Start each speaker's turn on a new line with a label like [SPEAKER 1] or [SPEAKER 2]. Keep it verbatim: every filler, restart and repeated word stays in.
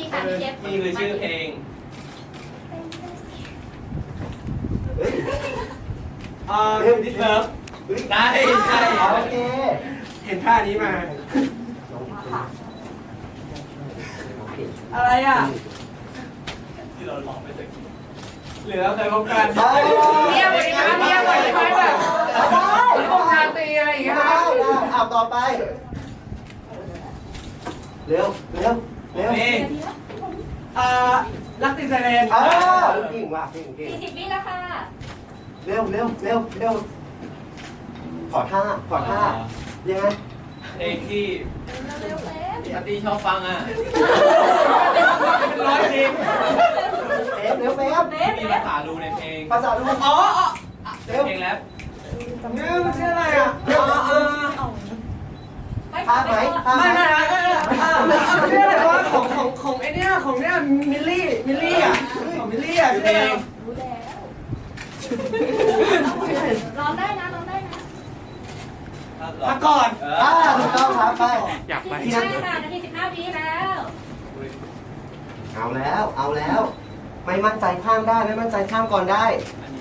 [SPEAKER 1] ค่ะพี่เชฟ
[SPEAKER 2] นี่คือชื่อเพลงอ่าเรื่องดิสเลิฟได้ใช่
[SPEAKER 3] โอเค
[SPEAKER 2] เห็นท่านี้มา อะไรอ่ะที่เราร้องไปตะกี้เหลือเคยพบกัน
[SPEAKER 3] ได้
[SPEAKER 2] เรียกไปนะเรียกไปไปแบบพวกชาตรีอะไรอย่างเงี้ย
[SPEAKER 3] ได้ได้เอาต่อไป เร็วเร็วเร็ว
[SPEAKER 2] นี่อ่ารักติดไซเรน
[SPEAKER 3] อ้าเก่งว่ะเก่งเก่ง
[SPEAKER 1] สี่สิบวิแล้วค่ะ
[SPEAKER 3] เร็วเร็วเร็วเร็วขอท่าขอท่ายังไง
[SPEAKER 2] เพลงที่
[SPEAKER 1] เร็วๆเร็ว
[SPEAKER 2] พี่อาร์ตี้ชอบฟังอ่ะเป็นร้อยเพลง
[SPEAKER 3] เร็วเร็วแป๊บ
[SPEAKER 1] เร็ว
[SPEAKER 2] มี
[SPEAKER 1] เร็
[SPEAKER 2] ภาว ษาดูในเพลง
[SPEAKER 3] ภาษาลูก
[SPEAKER 2] อ๋ออ๋อ
[SPEAKER 3] เร็ว
[SPEAKER 2] เพลงแล้วนี่มันชื่ออะไรอ่ะอ๋ออ๋อ
[SPEAKER 3] ท่าไหมท่าไหม
[SPEAKER 2] ไม่ไม่ไม่ไม่ชื่ออะไรวะของของของไอเนี้ยของเนี้ยมิลลี่มิลลี่อ่ะของมิลลี่อ่ะชื่ออะไร
[SPEAKER 1] รู้แล้วร้องได้นะร้องได้นะ
[SPEAKER 2] มาก่อน
[SPEAKER 3] อ่าถูกต้องครับไป
[SPEAKER 2] อยากไป
[SPEAKER 1] ใช่ค่ะนาทีสิบห้าวิแล้ว
[SPEAKER 3] เอาแล้วเอาแล้ว ไม่มั่นใจข้ามได้ไม่มั่นใจข้ามก่อนได้
[SPEAKER 2] อันนี้